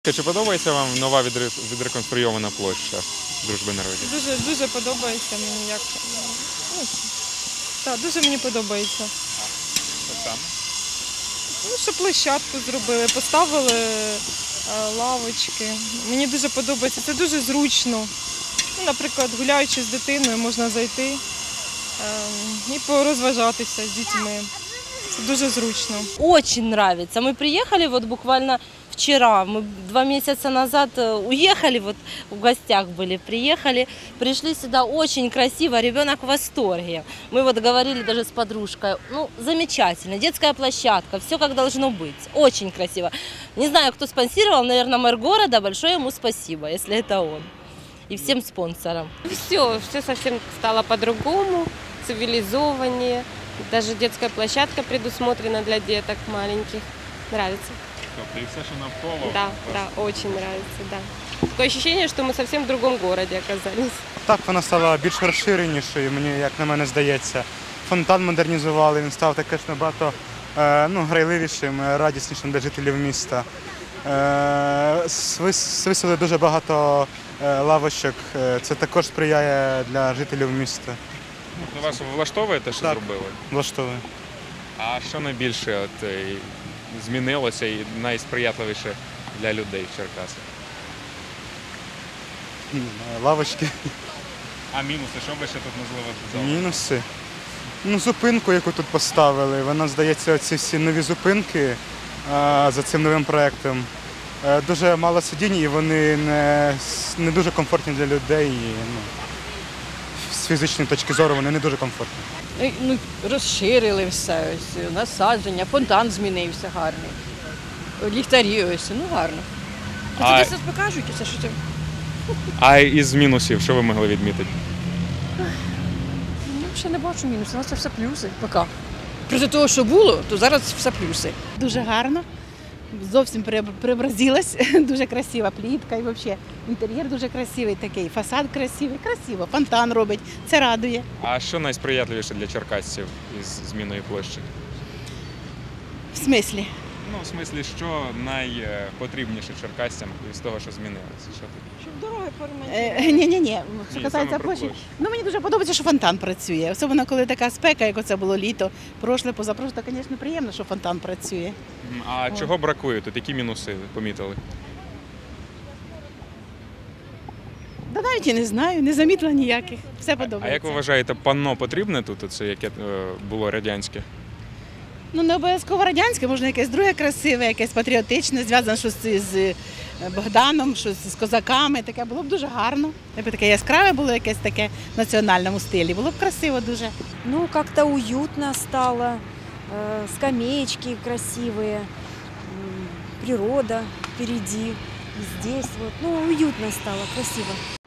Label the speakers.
Speaker 1: ласка, чи подобається вам нова відреконструйована площа Дружби народів?
Speaker 2: Дуже подобається мені як. Ну, так, дуже мені подобається.
Speaker 1: Що саме?
Speaker 2: Ну, що площадку зробили, поставили лавочки. Мені дуже подобається, це дуже зручно. Ну, наприклад, гуляючи з дитиною, можна зайти і порозважатися з дітьми. Це дуже зручно.
Speaker 3: Очень нравится. Мы приехали вот буквально вчера, мы 2 месяца назад уехали, вот в гостях были, приехали, пришли сюда, очень красиво, ребенок в восторге. Мы вот говорили даже с подружкой, ну, замечательно, детская площадка, все как должно быть, очень красиво. Не знаю, кто спонсировал, наверное, мэр города, большое ему спасибо, если это он. И всем спонсорам.
Speaker 4: Все совсем стало по-другому, цивилизованнее. Даже детская площадка предусмотрена для деток маленьких. Нравится.
Speaker 1: Тобто і все, що навколо?
Speaker 4: Да, очень нравится, да. Такое ощущение, что мы совсем в другом городе оказались.
Speaker 5: Так, вона стала більш розширенішою, мені, як на мене здається. Фонтан модернізували, він став також набагато грайливішим, радіснішим для жителів міста. Висели дуже багато лавочок, це також сприяє для жителів міста.
Speaker 1: Вас влаштовує те, що
Speaker 5: Так.
Speaker 1: зробили?
Speaker 5: Влаштовує.
Speaker 1: А що найбільше змінилося і найсприятливіше для людей в Черкасах?
Speaker 5: Лавочки.
Speaker 1: А мінуси, що ви ще тут можливо додали?
Speaker 5: Мінуси. Зупинку, яку тут поставили, вона, здається, ці всі нові зупинки за цим новим проєктом. Дуже мало сидінь і вони не дуже комфортні для людей. І, з фізичної точки зору вони не дуже комфортні.
Speaker 6: Ну, розширили все, ось, насадження, фонтан змінився гарний. Ліхтарі ось, ну гарно.
Speaker 1: А-
Speaker 6: Це покажуть, усе, що це.
Speaker 1: А із мінусів, що ви могли відмітити?
Speaker 6: Ну, ще не бачу мінусів, у нас це все плюси. Поки. Проти того, що було, то зараз все плюси.
Speaker 7: Дуже гарно. Зовсім преобразилась, дуже красива плітка і взагалі інтер'єр дуже красивий такий, фасад красивий, красиво, фонтан робить, це радує.
Speaker 1: А що найсприятливіше для черкасців із зміною площі?
Speaker 7: В смислі?
Speaker 1: Ну, в смислі, що найпотрібніше черкасцям із того, що змінилося? Що тут?
Speaker 2: Щоб дороги поремонтувати.
Speaker 7: Ні, що
Speaker 1: Ні,
Speaker 7: касається
Speaker 1: саме про
Speaker 7: площі.
Speaker 1: площу.
Speaker 7: Ну мені дуже подобається, що фонтан працює. Особливо, коли така спека, як оце було літо, прошле, позапрошле, то, звісно, приємно, що фонтан працює.
Speaker 1: А чого бракує тут? Які мінуси помітили?
Speaker 7: Да навіть і не знаю, не замітила ніяких. Все
Speaker 1: А
Speaker 7: подобається.
Speaker 1: як ви вважаєте, панно потрібне тут, оце, яке було радянське?
Speaker 7: Ну, не обов'язково радянське, можна якесь друге красиве, якесь патріотичне, зв'язане щось з Богданом, щось з козаками. Таке було б дуже гарно. Якби таке яскраве було якесь таке в національному стилі. Було б красиво дуже.
Speaker 8: Ну, как-то уютно стало, скамеечки красивые, природа впереди, и здесь вот, ну, уютно стало, красиво.